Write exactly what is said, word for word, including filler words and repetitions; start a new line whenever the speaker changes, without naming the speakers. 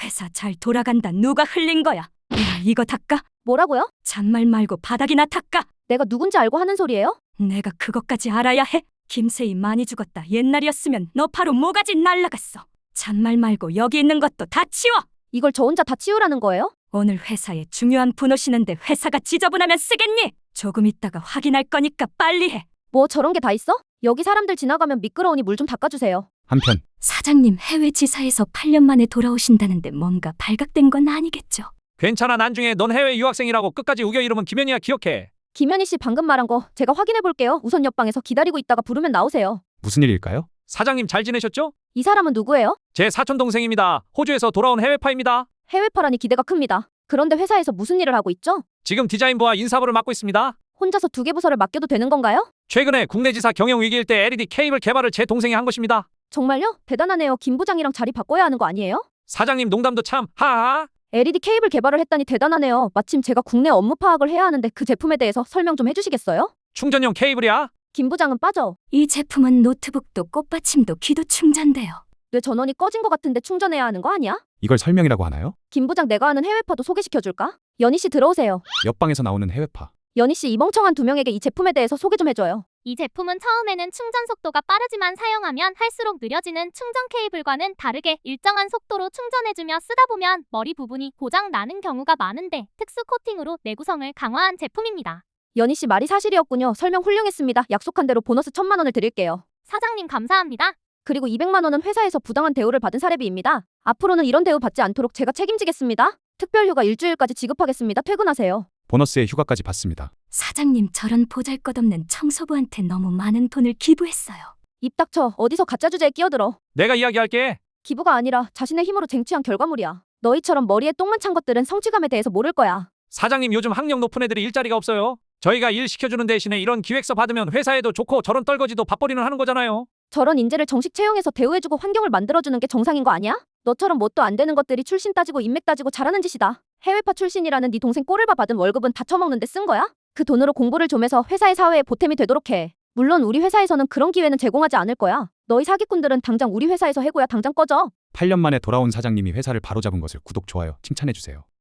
회사 잘 돌아간다. 누가 흘린 거야? 야, 이거 닦아?
뭐라고요?
잔말 말고 바닥이나 닦아.
내가 누군지 알고 하는 소리예요?
내가 그것까지 알아야 해? 김세희 많이 죽었다. 옛날이었으면 너 바로 모가지 날라갔어. 잔말 말고 여기 있는 것도 다 치워.
이걸 저 혼자 다 치우라는 거예요?
오늘 회사에 중요한 분 오시는데 회사가 지저분하면 쓰겠니? 조금 있다가 확인할 거니까 빨리 해.
뭐 저런 게 다 있어? 여기 사람들 지나가면 미끄러우니 물 좀 닦아주세요.
한편
사장님 해외 지사에서 팔 년 만에 돌아오신다는데 뭔가 발각된 건 아니겠죠?
괜찮아. 나중에 넌 해외 유학생이라고 끝까지 우겨 이러면 김연이야. 기억해.
김현희 씨 방금 말한 거 제가 확인해 볼게요. 우선 옆방에서 기다리고 있다가 부르면 나오세요.
무슨 일일까요?
사장님 잘 지내셨죠?
이 사람은 누구예요?
제 사촌 동생입니다. 호주에서 돌아온 해외파입니다.
해외파라니 기대가 큽니다. 그런데 회사에서 무슨 일을 하고 있죠?
지금 디자인부와 인사부를 맡고 있습니다.
혼자서 두 개 부서를 맡겨도 되는 건가요?
최근에 국내 지사 경영 위기일 때 엘이디 케이블 개발을 제 동생이 한 것입니다.
정말요? 대단하네요. 김 부장이랑 자리 바꿔야 하는 거 아니에요?
사장님 농담도 참 하하.
엘이디 케이블 개발을 했다니 대단하네요. 마침 제가 국내 업무 파악을 해야 하는데 그 제품에 대해서 설명 좀 해주시겠어요?
충전용 케이블이야.
김 부장은 빠져.
이 제품은 노트북도 꽃받침도 귀도 충전돼요.
뇌 전원이 꺼진 것 같은데 충전해야 하는 거 아니야?
이걸 설명이라고 하나요?
김 부장 내가 아는 해외파도 소개시켜줄까? 연희 씨 들어오세요.
옆방에서 나오는 해외파.
연희 씨 이 멍청한 두 명에게 이 제품에 대해서 소개 좀 해줘요.
이 제품은 처음에는 충전 속도가 빠르지만 사용하면 할수록 느려지는 충전 케이블과는 다르게 일정한 속도로 충전해주며 쓰다 보면 머리 부분이 고장 나는 경우가 많은데 특수 코팅으로 내구성을 강화한 제품입니다.
연희 씨 말이 사실이었군요. 설명 훌륭했습니다. 약속한 대로 보너스 천만 원을 드릴게요.
사장님 감사합니다.
그리고 이백만 원은 회사에서 부당한 대우를 받은 사례비입니다. 앞으로는 이런 대우 받지 않도록 제가 책임지겠습니다. 특별휴가 일주일까지 지급하겠습니다. 퇴근하세요.
보너스에 휴가까지 받습니다.
사장님 저런 보잘것없는 청소부한테 너무 많은 돈을 기부했어요.
입 닥쳐. 어디서 가짜 주제에 끼어들어.
내가 이야기할게.
기부가 아니라 자신의 힘으로 쟁취한 결과물이야. 너희처럼 머리에 똥만 찬 것들은 성취감에 대해서 모를 거야.
사장님 요즘 학력 높은 애들이 일자리가 없어요. 저희가 일 시켜주는 대신에 이런 기획서 받으면 회사에도 좋고 저런 떨거지도 밥벌이는 하는 거잖아요.
저런 인재를 정식 채용해서 대우해주고 환경을 만들어주는 게 정상인 거 아니야? 너처럼 뭣도 안 되는 것들이 출신 따지고 인맥 따지고 잘하는 짓이다. 해외파 출신이라는 네 동생 꼬를바 받은 월급은 다 처먹는데 쓴 거야? 그 돈으로 공부를 좀 해서 회사의 사회에 보탬이 되도록 해. 물론 우리 회사에서는 그런 기회는 제공하지 않을 거야. 너희 사기꾼들은 당장 우리 회사에서 해고야. 당장 꺼져.
팔 년 만에 돌아온 사장님이 회사를 바로잡은 것을 구독, 좋아요, 칭찬해주세요.